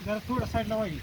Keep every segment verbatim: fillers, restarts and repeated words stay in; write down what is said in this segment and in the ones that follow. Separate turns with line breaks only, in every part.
जरा थोडं साईडला पाहिजे.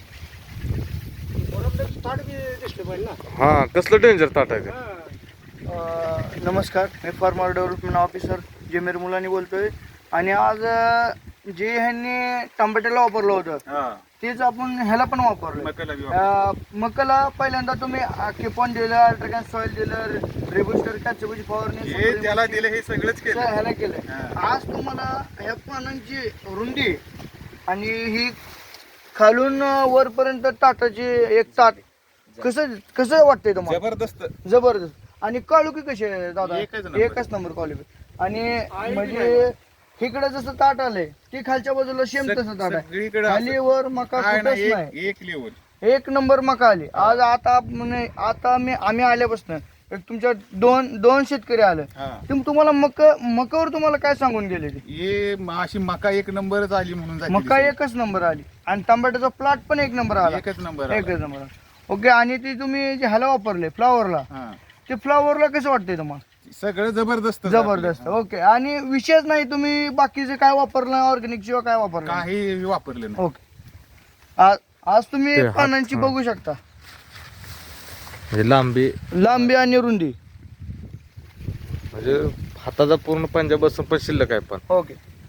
ताट बी दिसलं पाहिजे ना.
हा कसलं डेंजर ताट आहे ते?
अ, नमस्कार, मी farmer development officer Jamir Mulani बोलतोय. आणि आज अ, जे ह्यांनी टमाट्याला वापरलं होतं तेच आपण ह्याला पण वापरलं. अ, मकाला पहिल्यांदा तुम्ही किपॉन दिलं, अल्ट्राकॅन सॉइल दिलं, रेबुस्टर कॅचबुची फवारणी
हे त्याला दिले, हे सगळंच
सगळं
केलं.
ह्याला केलं. आज तुम्हाला ह्या पानांची रुंदी आणि ही खालून वरपर्यंत ताटाची एक ताट कसं कसं वाटतंय तुम्हाला?
जबरदस्त.
जबरदस्त. आणि काळुकी कशी आहे दादा?
एकच नंबर.
एकच नंबर क्वालिटी. आणि म्हणजे इकडे जसं ताट आलंय ते खालच्या बाजूला सेम तसं ताट आहे.
सगळीकडे
खाली वर मका
काय
कुठंच
नाही,
नाही.
एक एक लेवल.
एक नंबर मका आली आज. आता म्हणजे आता मी आम्ही आल्यापासून एक तुमच्या दोन दोन शेतकरी आलं.
हा.
तुम तुम्हाला मक मकावर तुम्हाला काय सांगून गेले ते?
हे म- अशी मका एक नंबरच आली म्हणून जाते
मका
दिसली.
एकच नंबर आली आणि टमाट्याचा प्लॉट पण एक नंबर आला.
एकच नंबर आला.
एकच नंबर आला. ओके. आणि ते तुम्ही जे ह्याला वापरले फ्लावरला,
हा.
ते फ्लावरला कसं वाटतंय तुम्हाला?
सगळं जबरदस्त
जबरदस्त.
झालं.
ओके. आणि विशेष नाही तुम्ही बाकीचे काय वापरलं ऑर्गॅनिक शिवाय काय वापरलं?
काही वापरलं नाही.
ओके. आज आज तुम्ही
ते हात-
पानांची
हा.
बघू शकता
म्हणजे लांबी
लांबी आणि रुंदी.
म्हणजे हाताचा पूर्ण पंजा बसून पण शिल्लक आहे पण.
ओके.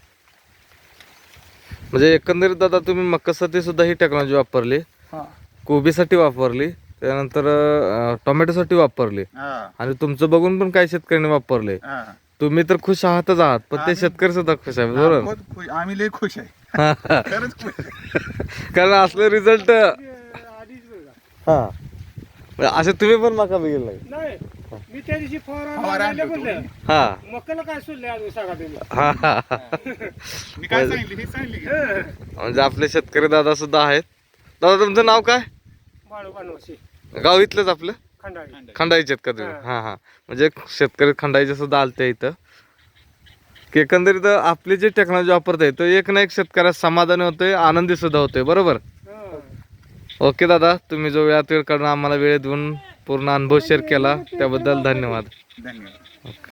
म्हणजे एकंदरीत दादा तुम्ही मकासाठी सुद्धा ही टेक्नॉलॉजी वापरली,
हा.
कोबीसाठी वापरली, त्यानंतर अं, टोमॅटोसाठी वापरली
हा.
आणि तुमचं बघून पण काही शेतकऱ्यांनी वापरले.
हा.
तुम्ही तर खुश आहातच आहात, पण ते
आम्ही-
शेतकरी सुद्धा खुश आहे बरोबर.
बहुत खुश. आम्ही लय खुश आहे. खरंच खुश आहे.
कारण असले रिझल्ट
आधीच बघा.
हा म्हणजे असे तुम्ही पण मका बघितलं नाही.
नाही मी त्या दिवशी
फवारा
फवारा
आणलं
म्हणलं
होतं.
हा
मकाला काय सोडले अजून सांगा तुम्ही.
हा हा हा.
मी काय सांगितलं हे सांगितलं की?
म्हणजे आपले शेतकरी दादा सुद्धा आहेत. दादा तुमचं नाव काय?
बाळू बनवशी
गाव इथलंच आपलं
खंडाळी.
खंडाईचे आहेत का तुम्ही?
हा.
हा हा म्हणजे शेतकरी खंडाईचे सुद्धा आलते इथं. की एकंदरीत आपली जी टेक्नॉलॉजी वापरते तो एक ना एक शेतकऱ्यात समाधानी होतोय, आनंदी सुद्धा होतोय बरोबर.
हा.
ओके दादा, तुम्ही जो वेळात वेळ काढून आम्हाला वेळ देऊन पूर्ण अनुभव शेअर केला त्याबद्दल धन्यवाद.
धन्यवाद.